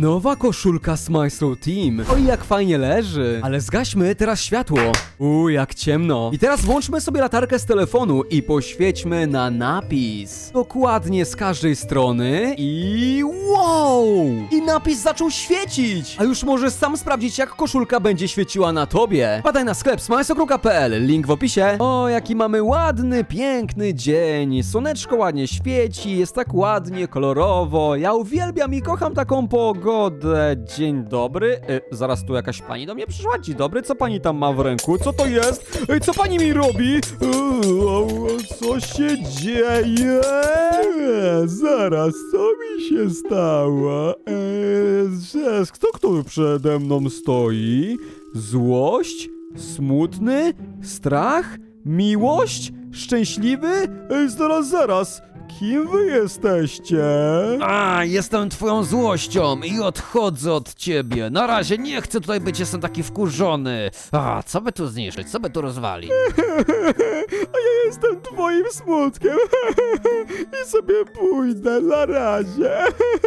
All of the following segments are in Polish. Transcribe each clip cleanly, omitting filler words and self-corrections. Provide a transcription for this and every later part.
Nowa koszulka Smile Team. Oj, jak fajnie leży. Ale zgaśmy teraz światło. Jak ciemno. I teraz włączmy sobie latarkę z telefonu i poświećmy na napis. Dokładnie z każdej strony i wow! I napis zaczął świecić. A już możesz sam sprawdzić, jak koszulka będzie świeciła na tobie. Wpadaj na sklep smilesokru.pl, link w opisie. O, jaki mamy ładny, piękny dzień. Słoneczko ładnie świeci, jest tak ładnie, kolorowo. Ja uwielbiam i kocham taką pogodę. Dzień dobry. Zaraz tu jakaś pani do mnie przyszła. Dzień dobry, co pani tam ma w ręku? Co to jest? Co pani mi robi? Co się dzieje? Zaraz, co mi się stało? Kto tu przede mną stoi? Złość? Smutny? Strach? Miłość? Szczęśliwy? Zaraz. Kim wy jesteście? Jestem twoją złością i odchodzę od ciebie. Na razie nie chcę tutaj być, jestem taki wkurzony. Co by tu zniszczyć, co by tu rozwalić? A ja jestem twoim smutkiem. I sobie pójdę na razie.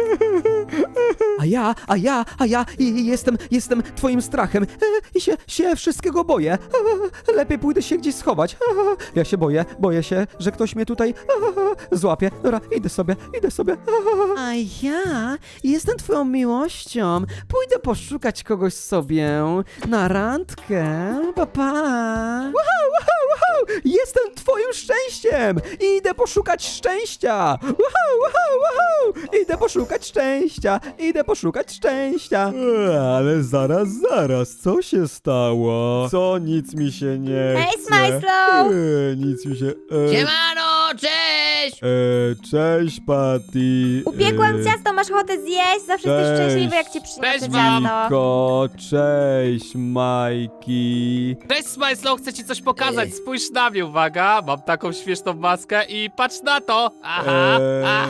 A ja jestem twoim strachem. I się wszystkiego boję. Lepiej pójdę się gdzieś schować. Ja się boję się, że ktoś mnie tutaj złapie. Dobra, idę sobie. A ja jestem twoją miłością. Pójdę poszukać kogoś sobie na randkę. Pa. Wow. Jestem twoim szczęściem. Idę poszukać szczęścia. Wow. Idę poszukać szczęścia. Ale zaraz, co się stało? Co? Nic mi się nie chce. Hej, Smajslow! Nic mi się... Siemano, cześć! Cześć, Patty. Upiekłam ciasto, masz ochotę zjeść? Zawsze jesteś Cześć. szczęśliwy, jak ci przyniosę Cześć wam. ciasto. Niko, cześć, Majki. Cześć Smajslow, chcę ci coś pokazać, spójrz na mnie, uwaga, mam taką śmieszną maskę i patrz na to! Aha.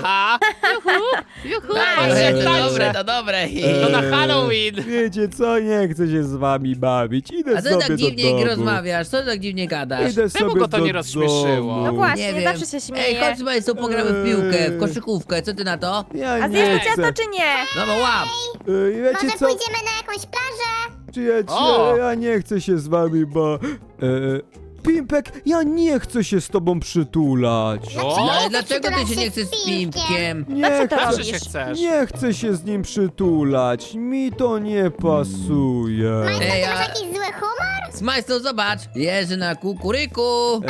Juhu, patrz jak tańczę. To dobre. To na Halloween! Wiecie co, nie chcę się z wami bawić. Idę A co sobie tak do dziwnie domu. rozmawiasz? Co tak dziwnie gadasz? Idę Czemu sobie go to do nie rozśmieszyło? domu. No właśnie, Nie wiem. zawsze się śmieje. Ej, chodź Smajsu, pogramy w piłkę, w koszykówkę, co ty na to? Ja A nie zjesz to chcę. ciasto czy nie? No bo łap! Wiecie Może co, pójdziemy na jakąś plażę? przyjaciele, ja nie chcę się z wami, bo... Pimpek, ja nie chcę się z tobą przytulać. O, No ale chcę dlaczego ty przytulać się nie się chcesz z z Pimpkiem. Pimpkiem? Nie Zawsze to chcę, zawsze się robisz. chcesz. nie chcę się z nim przytulać. Mi to nie pasuje. Majster, Ej, ty a- masz jakiś zły humor? Smajsu, zobacz! Jeży na kukuryku!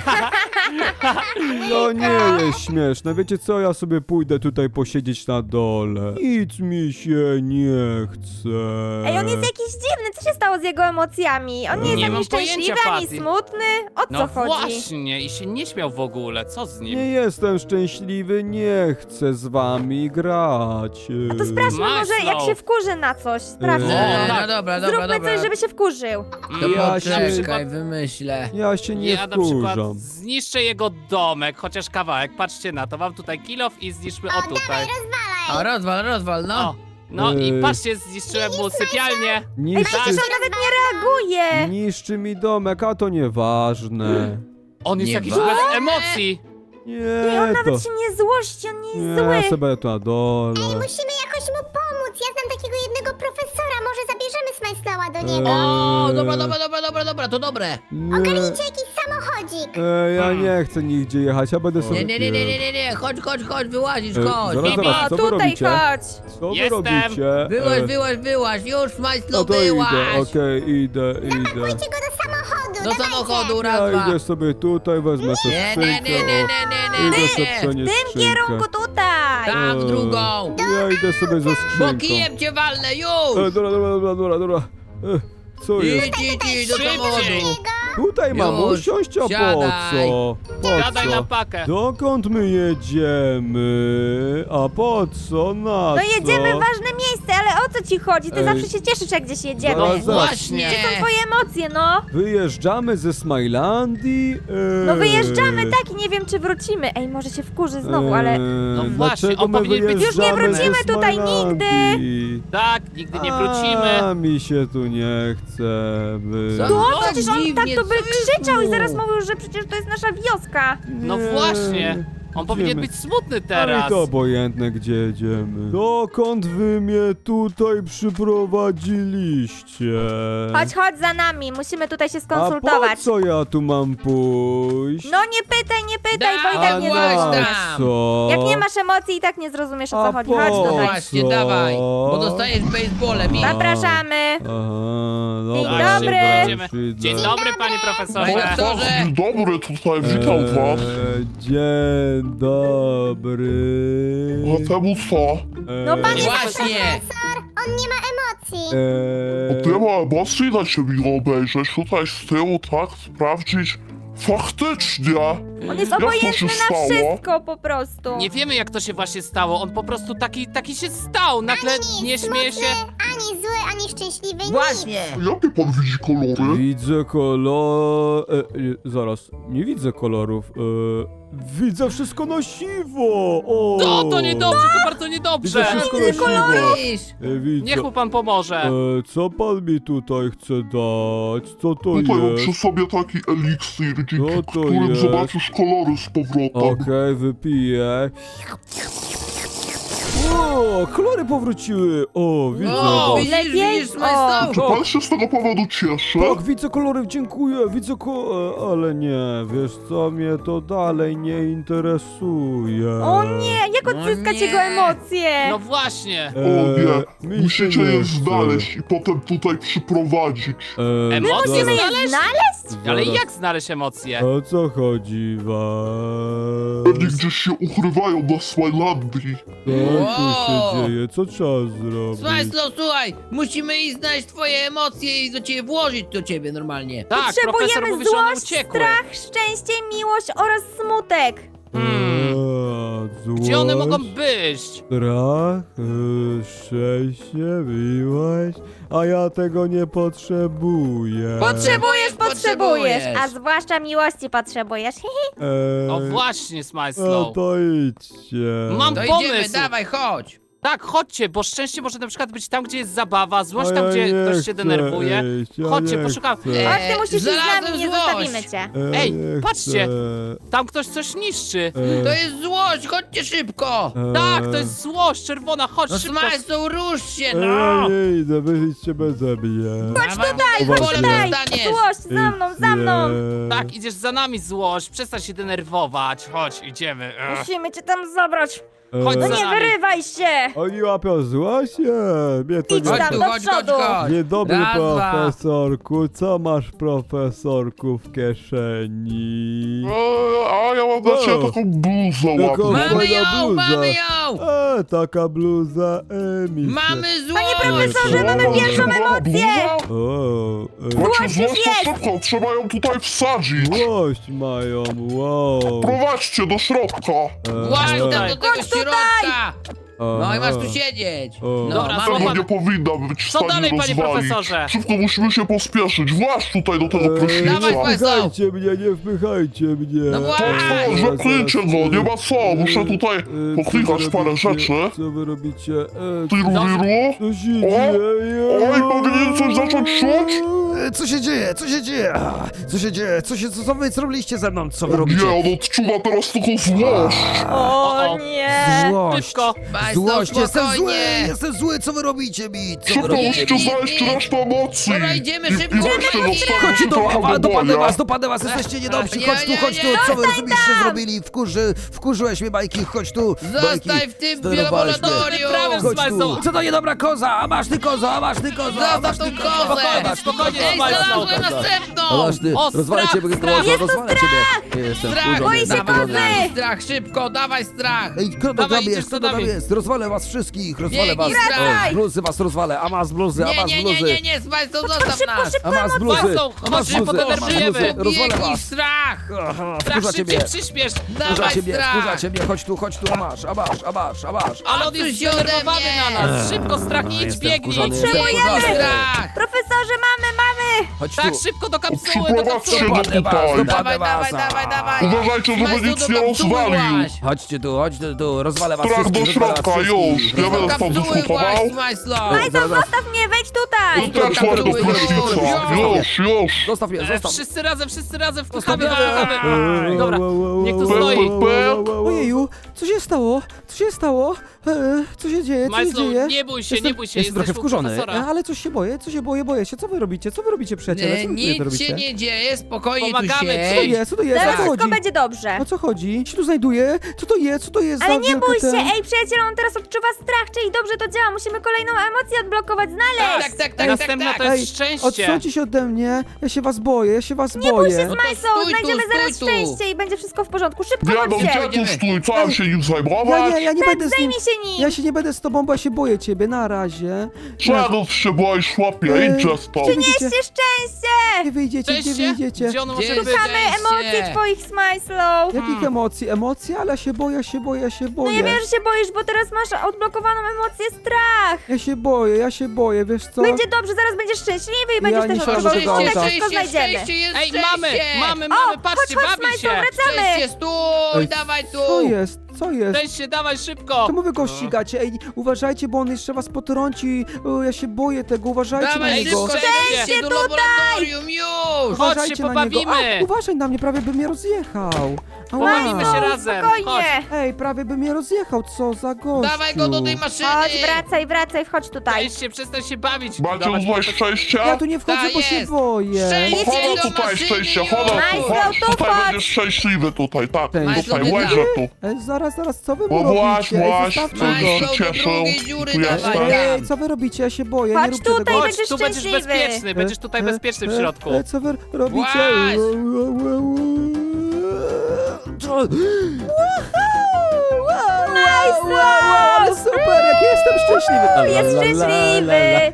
To nie jest śmieszne. Wiecie co, ja sobie pójdę tutaj posiedzieć na dole. Nic mi się nie chce. Ej, on jest jakiś dziwny, co się stało z jego emocjami? On nie jest Nie ani mam szczęśliwy, pojęcia, ani Patty. smutny. O co No chodzi? właśnie, i się nie śmiał w ogóle, co z nim? Nie jestem szczęśliwy, nie chcę z wami grać. A to sprawdźmy może, jak Majslow. się wkurzy na coś. Sprawdźmy O, to. tak. No dobra, Zróbmy coś, żeby się wkurzył. To Ja poczekaj, wymyślę. Ja się nie Ja na przykład wkurzam. zniszczę jego domek, chociaż kawałek, patrzcie na to, mam tutaj kilof i zniszczmy o tutaj. O, rozwal, no. O, no i Ej. patrzcie, zniszczyłem mu sypialnię. Ej, Niszczy, przecież on nawet nie reaguje. niszczy mi domek, a to nieważne. On jest Nie jakiś wa- bez emocji. I on Nie, to... nawet się nie złości, on nie jest Nie, ja zły. sobie tu na dole. Musimy jakoś mu pomóc. Ja znam takiego jednego profesora. Może zabierzemy Smajslała do niego. O, dobra, to dobre. Nie, Ogarnijcie jakiś samochodzik. ja nie chcę nigdzie jechać, ja będę sobie... Nie, chodź, wyłazisz, E, chodź. zaraz, O, co wy tutaj robicie? chodź. Co wy Jestem. robicie? Wyłaź, już No Smajslu, to idę, wyłaź. okej, idę. Pójdźcie go do samochodu. Do dawajcie. samochodu, Ja raz, dwa. idę sobie tutaj, wezmę sobie Nie, skrzynkę, nie. idę sobie przenieść W tym kierunku tutaj. Tak, w drugą. Ja idę sobie ze Bo skrzynką. kijem cię walnę, już. Dobra. Co jest? Idź do Szybciej. samochodu. Tutaj mam Już, usiąść, a po siadaj. co? Siadaj Po na co? pakę. Dokąd my jedziemy? A po co? Na No co? jedziemy w ważne miejsce, ale o co ci chodzi? Ty Ej. zawsze się cieszysz, jak gdzieś jedziemy. Zaraz, No zaraz. właśnie. Gdzie są twoje emocje, no? Wyjeżdżamy ze Smilandii? No wyjeżdżamy, tak, i nie wiem, czy wrócimy. Ej, może się wkurzy znowu, ale... No właśnie, dlaczego on my powinien być- Już nie wyjeżdżamy wrócimy ze tutaj Smilandii? Tak, nigdy nie wrócimy. A mi się tu nie chce być. Co? No, tak przecież on tak dziwnie, to by co jest krzyczał i mu? zaraz mówił, że przecież to jest nasza wioska. No Nie. właśnie. On powinien Idziemy. być smutny Ale teraz. to obojętne, gdzie jedziemy. Dokąd wy mnie tutaj przyprowadziliście? Chodź za nami, musimy tutaj się A po skonsultować. co ja tu mam pójść? No nie pytaj, bo i A tak nie właśnie zrozumiesz. tam. co? Jak nie masz emocji i tak nie zrozumiesz, o A co chodzi. po Chodź No tutaj. właśnie, co? dawaj, bo dostajesz baseballem i... Zapraszamy. Aha, Dzień dobra, dobry. dobra, już idę. Dzień dobry, panie profesorze. Panie doktorze. Dzień dobry, tutaj witam was. Dzień dobry. A temu co? No pan jest Właśnie. On nie ma emocji. Nie ma emocji na ciebie obejrzeć, tutaj z tyłu, tak, sprawdzić. Faktycznie! On jest Jak to obojętny się na stało? wszystko po prostu. Nie wiemy, jak to się właśnie stało. On po prostu taki się stał. Nagle nie śmieje się. Ani zły, ani szczęśliwy, nic. Właśnie. Jakie pan widzi kolory? Widzę kolor... zaraz, nie widzę kolorów. Widzę wszystko na siwo. O! No, to niedobrze, to bardzo Widzę niedobrze. wszystko na siwo. Widzisz? Widzę. Niech mu pan pomoże. Co pan mi tutaj chce dać? Co to Tutaj mam przy jest? sobie taki eliksir, dzięki Co to którym jest? zobaczysz kolory z powrotem. Okej, wypiję. O, kolory powróciły. O, widzę O, was. widzisz, O. Smajstoł? Czy pan się z tego powodu cieszy? Tak, widzę kolory, dziękuję, widzę ale nie, wiesz co, mnie to dalej nie interesuje. O nie, jak No odzyskać nie. jego emocje? No właśnie. O nie, mi się musicie nie je chce. znaleźć i potem tutaj przyprowadzić. Emocje Musimy je znaleźć? znaleźć? Ale Zaraz. jak znaleźć emocje? O co chodzi was? Pewnie gdzieś się ukrywają na Smilandii. Co tu się Wow. dzieje? Co trzeba zrobić? Smajstoł, słuchaj, musimy iść znaleźć twoje emocje i do ciebie włożyć do ciebie normalnie. Tak, profesor Potrzebujemy mówi, że one złość, uciekły. strach, szczęście, miłość oraz smutek. Gdzie one mogą Złość, być? strach, szczęście, miłość, a ja tego nie potrzebuję. Potrzebujesz, a zwłaszcza miłości potrzebujesz. O właśnie, No Smajslow. to idźcie. Mam To pomysł. idziemy, dawaj, chodź. Tak, chodźcie, bo szczęście może na przykład być tam, gdzie jest zabawa, złość A tam, ja gdzie nie ktoś się chcę denerwuje. iść, ja Chodźcie, nie poszukam. chcę. Chodź, ty musisz iść z znalazłem nami, nie złość. zostawimy cię. Ej, nie patrzcie. chcę. Tam ktoś coś niszczy. To jest złość, chodźcie szybko. Tak, to jest złość czerwona, chodź No szybko. Smajstoł, rusz się, Ja no. nie idę, wyjdźcie beze mnie. Chodź Tutaj, Uważaj. chodź tutaj! dostaniesz. Złość, za mną! Tak, idziesz za nami, złość, przestań się denerwować. Chodź, idziemy. Musimy cię tam zabrać! Chodź No za nie nami. wyrywaj się! Oni łapią złość? Mnie to Idź nie... Chodź tam tu, do chodź, chodź, przodu. chodź. Dzień dobry, Raz, dwa. profesorku. Co masz, profesorku, w kieszeni? A ja mam dla ciebie taką bluzę Jaką ładną. Mamy fajna ją, bluza. mamy ją. Taka bluza mi się... Mamy złość. profesorze, mamy pierwszą emocję! O, Macie Złość złość, jest. to szybko, trzeba ją tutaj wsadzić. złość mają, wow. Prowadźcie do środka. Właśnie tam do tego Chodź tutaj. środka. No i masz tu siedzieć. O. No, Dobra, mamy... Tego nie powinna być w Co stanie dalej, panie rozwalić. profesorze? Szybko musimy się pospieszyć. Właź tutaj do tego prysznica. Dawaj, Nie Państwo. wpychajcie mnie, nie wpychajcie mnie. No właśnie. O, zakryjcie go, nie ma co. Muszę tutaj poklikać parę rzeczy. Co wy robicie? Tyru, Co się dzieje? Oj, powinien coś zacząć czuć? Co się dzieje? Co się dzieje? Co się dzieje? Co wy zrobiliście ze mną? Co wy Nie, robicie? on odczuwa teraz tylko złość. O nie! Złość. Szybko. Państwo, Złość, jestem zły! spokojnie. Jestem zły, co wy robicie mi? Co wy Szybko robicie musicie mi? znaleźć resztę emocji. Dobra, idziemy I szybko. weźcie dostaniecie Chodźcie trochę dopadnę boja. was, jesteście niedobrzy, Nie, chodź tu, nie, chodź tu, nie. co wy robiliście zrobili? Wkurzyłeś mnie, Majki, chodź tu. Zostań Majki, w tym zdenerwowałeś mnie. laboratorium. Chodź Smajslow. tu. Co to niedobra koza? A masz ty koza, a masz ty koza, a masz Zostaw ty tą koza. kozę. Spokojnie, Ej, Smajslow. znalazłem następną. A masz ty, O, rozwalę strach, ciebie, strach. koza, rozwalę ciebie. Nie jestem Strach, wkurzony, boi się jestem dawaj, kozy. wkurzony. dawaj strach, szybko, dawaj strach. Ej, kto to Dawaj, tam idziesz jest? za Kto to tam nami. jest? Rozwalę was wszystkich, rozwalę was. Biegnij, wracaj. O, bluzy was rozwalę, a masz bluzy, a Nie, masz nie, nie, bluzy. nie, nie, Smajstow, zostaw nas. A masz bluzy, Państwo, a masz chodźcie, bluzy, a masz podenerwujemy. bluzy, rozwalę Biegnij, was. strach. Aha, Strach, wkurza szybciej, ciebie. przyspiesz. Wkurza Dawaj ciebie, strach. chodź tu, a masz. Ale on Odsuń jest się ode zdenerwowany mnie. na nas. Szybko, strach, idź, Jestem biegnij. wkurzony, Potrzebujemy. jestem wkurzony. Strach. Profesorze, mamy! Chodź Tak, tu. szybko do kapsuły, do Przyprowadźcie kapsuły. go Dopadnę was, tutaj. dopadnę Dawaj, was. dawaj. Uważajcie, żeby Smajslu, nic do nie kapsuły rozwalił. właź. Chodźcie tu, rozwalę was Trach do wszystkich, rozwalę was środka, wszystkich. już. Nie Do będę stąd kapsuły dyskutował. właź, Smajslo. Majslow, zostaw mnie, wejdź tutaj! Tak, słuchaj, do kapsuły, prysznica. Już. Zostaw mnie, zostaw. Wszyscy razem wpychamy, Zostawiamy. wpychamy. Dobra, niech tu stoi. Ojeju, co się stało? Co się stało? Co się dzieje? Co się Majslu, dzieje? nie bój się, nie bój się, jestem trochę jesteś u wkurzony. profesora. Ale coś się boję, boję się. Co wy robicie? Co wy robicie, przyjaciele? Co wy tutaj Nic robicie? się nie dzieje, spokojnie tu Pomagamy ci. Co to siedź. jest? Co to jest? O Zaraz co wszystko chodzi? będzie dobrze. O co chodzi? Co tu znajduje? Co to jest? Co to jest Ale za nie wielka bój się, ten- ej przyjacielu, on teraz odczuwa strach, czyli dobrze to działa, musimy kolejną emocję odblokować, znaleźć! Tak. Następna to Ej, jest szczęście. Odsuńcie się ode mnie. Ja się was boję, Nie bój się, boję. Smajslow, stój tu, znajdziemy stój zaraz tu. szczęście i będzie wszystko w porządku. Szybko, Nie no, chodźcie! gdzie tu stój? Co mam się nim zajmować? Ja nie będę z nim. Zajmij się nim! Ja się nie będę z tobą, bo ja się boję ciebie. Na razie. Czego ty się boisz, chłopie? Idźcie stąd. Przynieście szczęście! Gdzie wyjdziecie? Gdzie Szczęście? wyjdziecie? Gdzie ono Gdzie może jest być? Szukamy emocji twoich, Smajslow! Jakich emocji? Emocje? Ale ja się boję, ja się boję. No ja wiem, że się boisz, bo teraz masz odblokowaną emocję strach! Ja się boję, wiesz co? Będzie dobrze, zaraz będziesz szczęśliwy i będziesz nie też szkoda odczuwał tego szczęście, auta. wszystko znajdziemy. Szczęście jest Ej, szczęście. mamy, O, patrzcie, chodź, bawi Smajslow, się. wracamy! Szczęście, stój, Ej, dawaj tu. Co jest? Co jest? Szczęście, dawaj szybko. Czemu wy go ścigacie? Ej, uważajcie, bo on jeszcze was potrąci. O, ja się boję tego, uważajcie na Dawaj niego. szybko, Szczęście szczęście do tutaj. laboratorium, już. Chodź Uważajcie się na niego. pobawimy. A, uważaj na mnie, prawie by mnie rozjechał. Ała. Pobawimy się razem. Chodź. Spokojnie! Ej, prawie by mnie rozjechał, co za gościu. Dawaj go do tej maszyny. Chodź, wracaj, wchodź tutaj. Przestań się bawić. Macie Dawać uznać mi to- szczęście? Ja tu nie wchodzę, Tak bo się jest. boję. Szczęście. Chodź do tutaj, maszyny szczęście, już. chodź tu, Majslow, chodź, tu tutaj chodź. będziesz szczęśliwy, tutaj, tak, Majslow, tutaj, ty łeżę tu. Ej, zaraz, co wy mu No robicie? Ej, właśnie, zostawcie Majslow, go. Majslow, do cieszył. drugiej dziury Tu dawaj jesteś. Ej, tam. co wy robicie? Ja się boję, nie Chodź róbcie tutaj, tego. Chodź, będziesz tu będziesz szczęśliwy. bezpieczny, będziesz tutaj bezpieczny w środku. Co wy robicie? Właź. Ale super, jak jestem szczęśliwy. Jest szczęśliwy.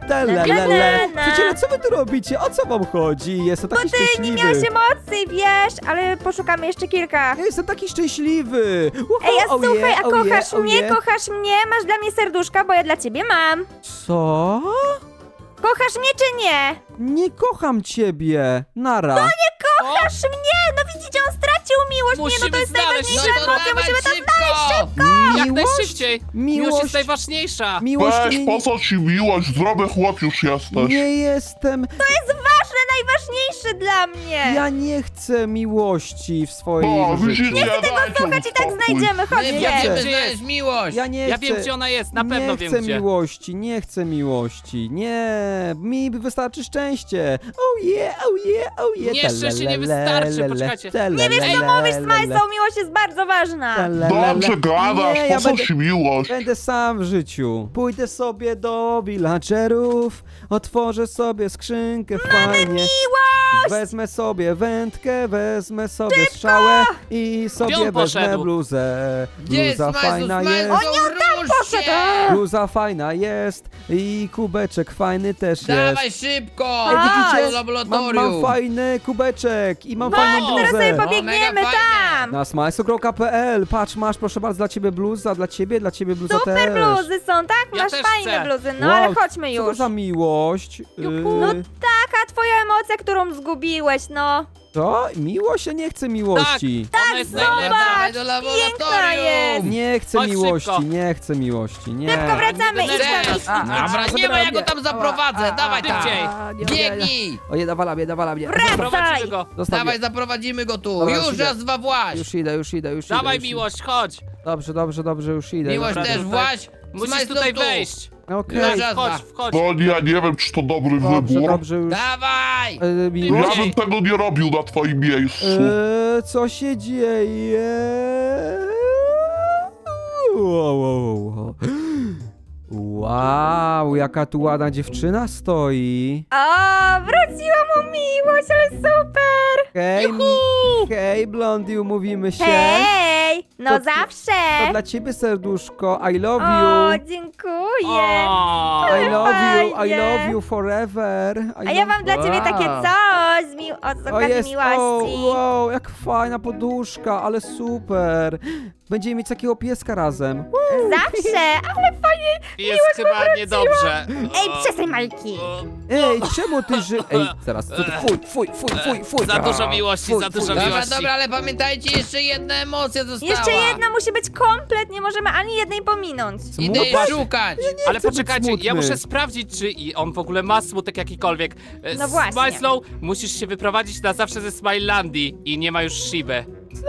Na. Przyjaciele, co wy tu robicie? O co wam chodzi? Jestem taki Ty nie szczęśliwy. miałeś emocji, wiesz, ale poszukamy jeszcze kilka. Ja jestem taki szczęśliwy. Ej, a Oh słuchaj, yeah, a oh kochasz yeah, oh mnie, yeah. kochasz mnie? Masz dla mnie serduszka, bo ja dla ciebie mam. Co? Kochasz mnie czy nie? Nie kocham ciebie. Nara. Kochasz mnie! No widzicie, on stracił miłość. Nie, no Musimy to jest znaleźć. najważniejsza No to emocja, dawaj musimy to szybko. Jak Miłość? najszybciej. Miłość jest najważniejsza. Miłość Weź, nie, po co ci miłość? Zdrowy chłop już jesteś. nie jestem. To jest ważne, najważniejsze dla mnie. Ja nie chcę miłości w swoim No, życiu. widzicie, dajcie Słuchać i tak spokój. znajdziemy, My chodźcie. będziemy Gdzie jest? znaleźć miłość. Ja nie Ja chcę. wiem, gdzie ona jest, na pewno nie wiem chcę gdzie. miłości, nie chcę miłości, nie, mi wystarczy szczęście. Oh yeah, oh yeah, oh yeah. Nie, szczęście nie wystarczy, poczekajcie. Nie wiesz co mówisz, Smajslow, miłość jest bardzo ważna. Dobrze gadasz, Nie, po ja co będę, ci miłość? będę sam w życiu. Pójdę sobie do villagerów, otworzę sobie skrzynkę fajnie. Miłość! Wezmę sobie wędkę, wezmę sobie strzałę i sobie on wezmę poszedł? bluzę. Gdzie jest Bluza Smajslow? fajna jest. Poszedł. Bluza fajna jest i kubeczek fajny też jest. Dawaj szybko. Ej, widzicie? Do laboratorium. Mam fajny kubeczek i mam Chodź, fajną teraz sobie bluzę. pobiegniemy mega fajne. tam. Na smajsu.pl, patrz, masz proszę bardzo dla ciebie bluza, dla ciebie bluza Super też. bluzy są, tak? Ja Masz też fajne chcę. bluzy, no ale Wow, chodźmy Co to już. za miłość? No taka twoja emocja, którą zgubiłeś, no. Co? Miłość? Ja nie chcę miłości. Ona jest zobacz. najlepsza. Dawaj do piękna jest. laboratorium. Nie chcę Chodź miłości, szybko. nie chcę miłości, nie. Szybko wracamy, idź tam, idź. Dobra, nie ma, ja go tam zaprowadzę. Dawaj tam. Szybciej. Biegnij. O nie, nawala mnie. Prowadzimy go. Zostaw Dawaj, mnie. zaprowadzimy go tu. Dobra, Już idę. raz, dwa właź. Już idę. Dawaj już idę. miłość, chodź. Dobrze, już idę. Miłość Dobra, też tutaj. właź. Musisz Smajslow tutaj tu. wejść. Okej, Dobra. Chodź, wchodź. No ja nie wiem, czy to dobry wybór. dobrze już. Dawaj. Miłość? Ja bym tego nie robił na twoim miejscu. Co się dzieje? Wow, jaka tu ładna dziewczyna stoi. O, wróciła mu miłość, ale super. Hej, Blondie, umówimy się. Hej, no To- zawsze. To dla ciebie serduszko, I love O, you. dziękuję. O, I love fajnie. you forever. A ja mam dla ciebie takie coś z O okazji jest, miłości. wow, jak fajna poduszka, ale super. Będziemy mieć takiego pieska razem. Zawsze, ale fajnie. Jest chyba niedobrze. Ej, przestań, Majki. Ej, czemu ty Ej, zaraz, co ty? Fuj. Za dużo miłości, za dużo Dobra, miłości. dobra, ale pamiętajcie, jeszcze jedna emocja została. Jeszcze jedna musi być komplet, nie możemy ani jednej pominąć. Idę jej Smutny? szukać. Ale chcę być poczekajcie, ja smutny. muszę sprawdzić, czy on w ogóle ma smutek jakikolwiek. No właśnie. Smile Slow, musisz się wyprowadzić na zawsze ze Smilandii i nie ma już Shiby.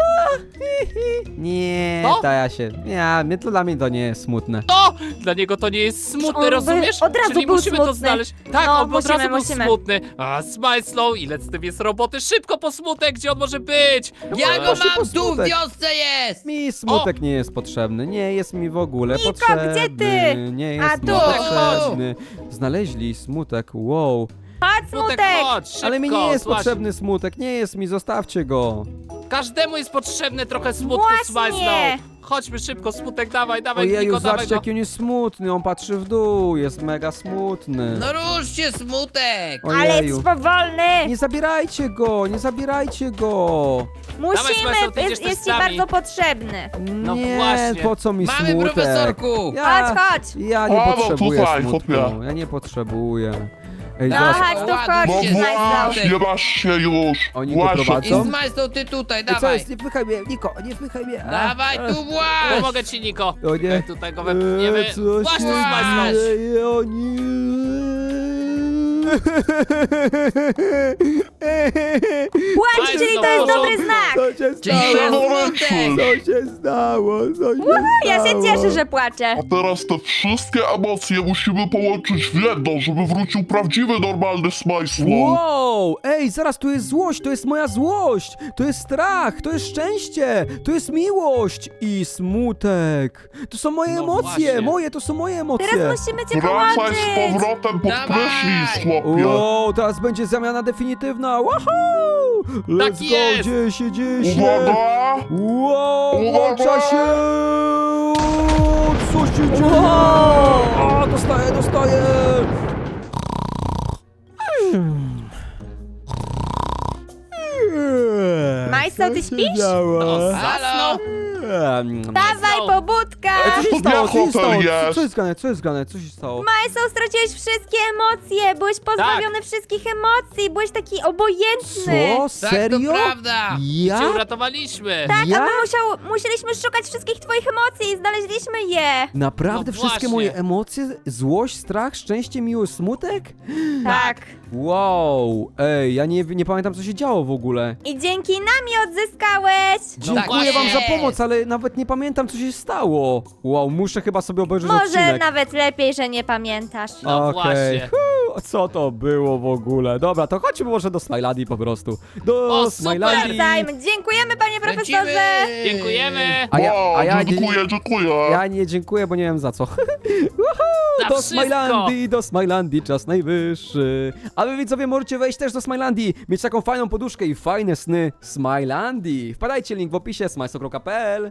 Nie, Co? Taja się. Nie, to dla mnie to nie jest smutne. O! Dla niego to nie jest smutne, On by rozumiesz? od razu Czyli był musimy to smutny. znaleźć. Tak, No, on by od razu był musimy. smutny. A Smile Slow, ile z tym jest roboty? Szybko po smutek, gdzie on może być? Ja go Proszę, mam, tu w posmutek. wiosce jest. Mi smutek nie jest potrzebny, nie jest mi w ogóle Niko, potrzebny. gdzie ty? Nie jest A, mi tu. potrzebny. Znaleźli smutek, wow. Chodź, Smutek, smutek. chodź, szybko. Ale mi nie jest złaź. potrzebny smutek, nie jest mi, zostawcie go. Każdemu jest potrzebne trochę smutku, Właśnie. Smile Slow. Chodźmy szybko, smutek, dawaj, Ojeju, Niko, dawaj zobaczcie go. jaki on jest smutny, on patrzy w dół, jest mega smutny. No ruszcie, smutek. Ale Ojeju. jesteś powolny. Nie zabierajcie go, nie zabierajcie go. Dawaj, Musimy, Smajslow, ty idziesz jest ci testami. bardzo potrzebny. No nie, właśnie. po co mi Mamy smutek? profesorku. Chodź. Ja nie A, no potrzebuję tutaj, smutku, chłopie. ja nie potrzebuję. Ej, No zaraz, chodź tu, chodź, No Chodźcie, właśnie, nie masz się już. Oni go Właśnie. I prowadzą? Smajslow, ty tutaj, Ej, co dawaj. jest? Nie wpychaj mnie, Niko, nie wpychaj mnie. Dawaj tu właź. Pomogę ci, Niko. O nie. Tutaj go wepchniemy. Co Właśnie, się Smile Slow. dzieje? O nie. Płacz, czyli to jest dobry znak. Co się Czyli stało? jest smutek. Co się stało? Co się Ja się stało? cieszę, że płaczę. A teraz te wszystkie emocje musimy połączyć w jedno, żeby wrócił prawdziwy, normalny Smile Slow. Wow! Ej, zaraz, tu jest złość, to jest moja złość! To jest strach, to jest szczęście, to jest miłość i smutek. To są moje No emocje, właśnie. to są moje emocje. Teraz musimy cię Wracaj połączyć. z powrotem pod Dawaj. prysznic, chłopie. Wow, teraz będzie zamiana definitywna. Wahoo! Let's Tak go, jest. dzieje się, dzieje się. Uwaga! Wow, Uwaga! włącza się! Co się dzieje? O, dostaję! Majslow, ty Co się śpisz? działo? No, Halo. Dawaj, pobudka. Co się stało? Co się hotel stało? jest? Co jest grane? Co jest grane? Co się stało? Majslow, straciłeś wszystkie emocje. Byłeś pozbawiony wszystkich emocji. Byłeś taki obojętny. Co? Tak, Serio? to prawda. Ja? Cię uratowaliśmy. Tak, Ja? a my musieliśmy szukać wszystkich twoich emocji i znaleźliśmy je. Naprawdę No wszystkie właśnie. moje emocje? Złość, strach, szczęście, miłość, smutek? Tak. Wow, ej, ja nie pamiętam co się działo w ogóle. I dzięki nam je odzyskałeś. Dziękuję wam za jest. pomoc, ale nawet nie pamiętam co się stało. Wow, muszę chyba sobie obejrzeć Może odcinek. nawet lepiej, że nie pamiętasz. No Okej. właśnie. Co to było w ogóle? Dobra, to chodźmy może do Smilandii po prostu. Do O, super. Smilandii. Wracajmy. Dziękujemy, panie profesorze. Lecimy. Dziękujemy. A ja nie, Dziękuję. ja nie dziękuję, bo nie wiem za co. Za Do wszystko. Smilandii, czas najwyższy. A wy widzowie możecie wejść też do Smilandii, mieć taką fajną poduszkę i fajne sny Smilandii. Wpadajcie, link w opisie, smajso.pl.